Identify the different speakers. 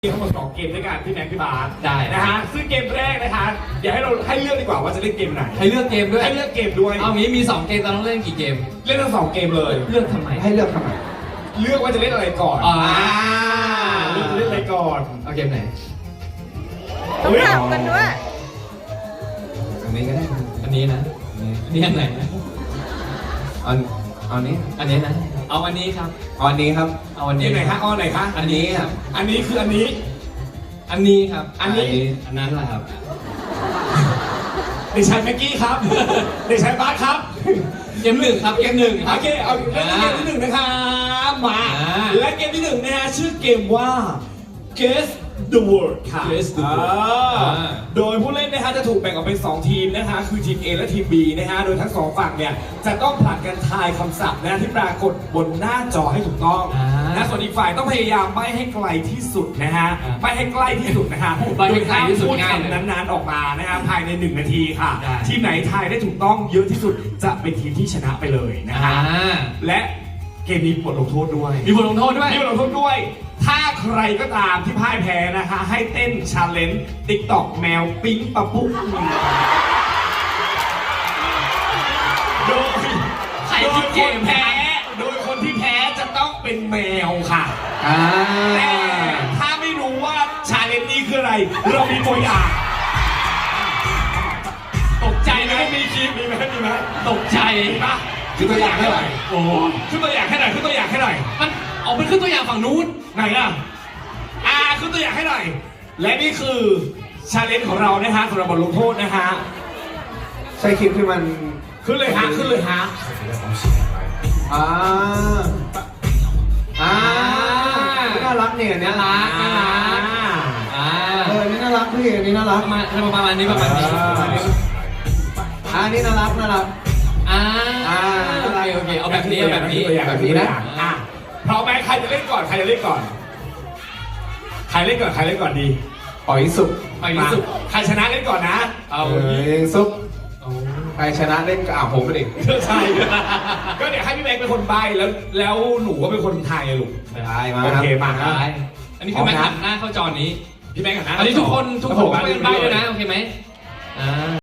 Speaker 1: ทั้งหมด2เกมด้วยกันพี่แม็กพี่บาส
Speaker 2: ได้
Speaker 1: นะฮะซึ่งเกมแรกนะคะอยากให้เราให้เลือกดีกว่าว่าจะเล่นเกมไหน
Speaker 2: ให้เลือกเกมด้วย
Speaker 1: ให้เลือกเกมด้วย
Speaker 2: เอางี้มี2เกมเราต้องเล่นกี่เกม
Speaker 1: เล่นทั้ง2เกมเลย
Speaker 2: เลือกทำไม
Speaker 3: ให้เลือกทำไม
Speaker 1: เลือกว่าจะเล่นอะไรก่อน เลือกจะเล่นอะไรก่อน
Speaker 2: เอาเกมไหน
Speaker 4: ต้องถามกันด้วย
Speaker 3: อันนี้ก็ได้
Speaker 2: อันนี้นะอันนี้อันไหนนะ
Speaker 3: เอานี้
Speaker 2: อันนี้นะเอาอันนี้ครับ
Speaker 3: เอาอันนี้ครับ
Speaker 2: เอาอัน
Speaker 1: เก
Speaker 2: นี้
Speaker 1: มไหนคะอ้อไหนคะ
Speaker 2: อันนี้ครับ
Speaker 1: อันนี้คืออันนี้
Speaker 2: อันนี้ครับ
Speaker 1: อันนี้
Speaker 2: อันนั้นแหละครับ
Speaker 1: เด็กชายแม็กกี้ครับ เด็กชายบาสครับ
Speaker 2: เกมหนึ่งครับเกมหนึ่งครับ
Speaker 1: โอเคเอาเล่นเกมที่หนึ่งนะคะมา และเกมที่หนึ่งนะฮะชื่อเกมว่า Guess the Word ค่ะ
Speaker 2: Guess the Word
Speaker 1: โดยผู้เล่นนะฮะจะถูกแบ่งออกเป็น2ทีมนะฮะคือทีม A และทีม B นะฮะโดยทั้ง2ฝั่งเนี่ยจะต้องผลัดกันทายคำศัพท์นะที่ปรากฏบนหน้าจอให้ถูกต้องนะส่วนอีกฝ่ายต้องพยายามใบ้ให้ไกลที่สุดนะฮะใบ้ให้ใกล้ที่สุดนะฮะ
Speaker 2: ใบ้ให้ไกลที่สุด
Speaker 1: พูด
Speaker 2: ง่ายเลย
Speaker 1: คำนั้นๆออกมานะฮะภายใน1นาทีค่ะ
Speaker 2: ได้
Speaker 1: ทีมไหนทายได้ถูกต้องเยอะที่สุดจะเป็นทีมที่ชนะไปเลยนะฮะและเกมนี้บทลงโทษด้วย
Speaker 2: มีบทลงโทษด้วย
Speaker 1: มีบทลงโทษด้วย ถ้าใครก็ตามที่พ่ายแพ้นะคะให้เต้นชาเลนจ์ติ๊กต็อกแมวปิ๊งปะปุ๊กโดย
Speaker 2: ใครคิดเกม
Speaker 1: แพ้โดยคนที่แพ้จะต้องเป็นแมวค่ะ
Speaker 3: อ่า
Speaker 1: แต่ถ้าไม่รู้ว่าชาเลนจ์นี้คืออะไร เรามีตัวอย่าง
Speaker 2: ตกใจ
Speaker 1: มี
Speaker 2: ไห
Speaker 1: ไห
Speaker 2: ม
Speaker 1: มมีคลิปมีไหมมีไหม
Speaker 2: ตกใจ
Speaker 1: มีปะ
Speaker 3: คือตัวอย่างเท่าไหร่
Speaker 2: โอ้โห
Speaker 1: ขึ้นตัวอย่างให้หน่อยขึ้นตัวอย่างให้หน่อย
Speaker 2: มันเอาเป็นขึ้นตัวอย่างฝั่งนู้น
Speaker 1: ไหนอ่ะขึ้นตัวอย่างให้หน่อย และนี่คือชาเลนจ์ของเรานะฮะสำหรับบทลงโทษนะฮะ
Speaker 3: ใช่คลิปที่มัน
Speaker 1: ขึ้นเลยฮะขึ้นเลยฮะ
Speaker 3: อ่าอ่าน่ารักเนี่ยอันเนี้ย
Speaker 2: น่ารัก
Speaker 3: อันนี้น่ารักพี่อันนี้น่ารัก
Speaker 2: ประมาณนี้ประมาณนี้
Speaker 3: อันนี้น่ารักน่ารัก
Speaker 2: โอเคเอาแบบนี้เอาแบบนี้
Speaker 1: ตัวอย่าง
Speaker 3: แบบนี้นะ
Speaker 1: พร้อมไหมใครจะเล่นก่อนใครจะเล่นก่อนใครเล่นก่อนใครเล่นก่อนดี
Speaker 3: ปล่อยสุก
Speaker 2: ไปที่สุด
Speaker 1: ใครชนะเล่นก่อนนะ
Speaker 2: เอา
Speaker 3: ซุปใครชนะเล่นก็ผมเป็นเด็ก
Speaker 1: ใช่ก็เดี๋ยวให้พี่แม็กเป็นคนใบแล้วหนูก็เป็นคนทายลูก
Speaker 3: ได้มา
Speaker 1: โอเคมา
Speaker 2: ได้อันนี้คือแม่หันหน้าเข้าจอนี้
Speaker 1: พี่แม็กกันนะ
Speaker 2: อันนี้ทุกคนช่วยกันใบ้ด้วยนะโอเคไหม